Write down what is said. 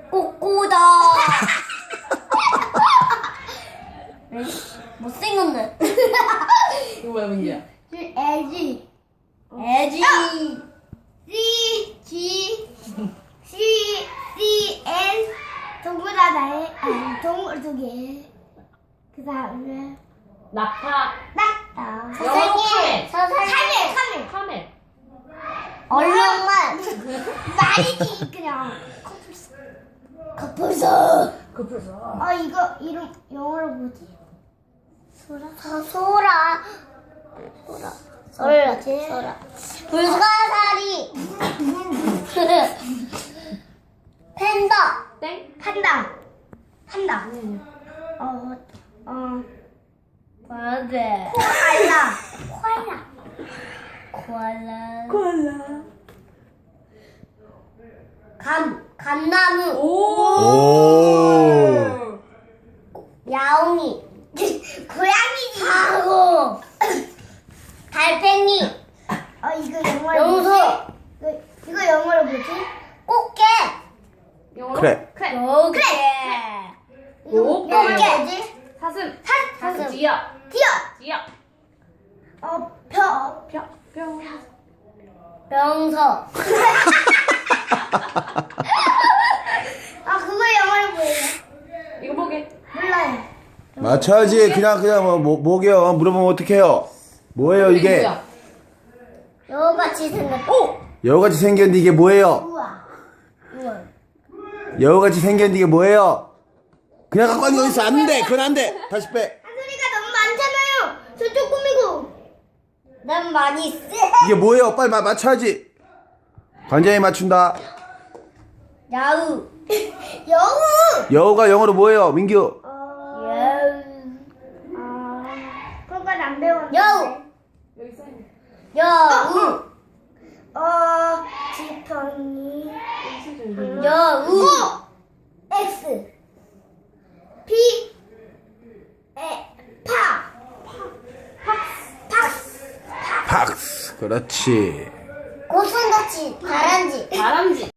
꼬꼬다. 못생겼네. 이거 뭐야, 문제야? 애지. 애지. C 동그라다에 동물 두 개. 그 다음에 낙타. 낙타. 선생님. 선생님. 카멜. 얼룩말. 말이지 그냥. 커플서. 이거 이름 영어로 뭐지? 소라. 불가사리. 팬다. 땡. 판다. 맞아. 코알라. 감나무. 오. 야옹이. 고양이지. 하고. 달팽이. 이거 영어로 염소. 뭐지? 이거 영어로 뭐지? 꽃게. 영어로? 그래. 꽃게. 꽃게. 꽃게 뭐지? 사슴. 사슴. 지어. 티어. 병서. 그거 영어로 뭐예요? 이거 뭐게? 몰라요. 맞춰야지. 그냥 뭐게요? 물어보면 어떡해요? 뭐예요 이게? 뭐야? 여우같이 생겼다. 여우같이 생겼는데 이게 뭐예요? 우와. 여우같이 생겼는데 이게 뭐예요? 그냥 갖고 가는 거 있어. 안 돼. 그건 안 돼. 다시 빼. 한소리가 너무 많잖아요. 저쪽 꾸미고. 난 많이 있어. 이게 뭐예요? 빨리 맞춰야지. 관장이 맞춘다. 야우. 여우. 여우가 영어로 뭐예요? 민규. 여우. 그건 안 배웠는데. 여우. 여기 써있네. 여우. 지팡이. 여우. X. P. 박스. 그렇지. 고슴도치. 다람쥐. 다람쥐.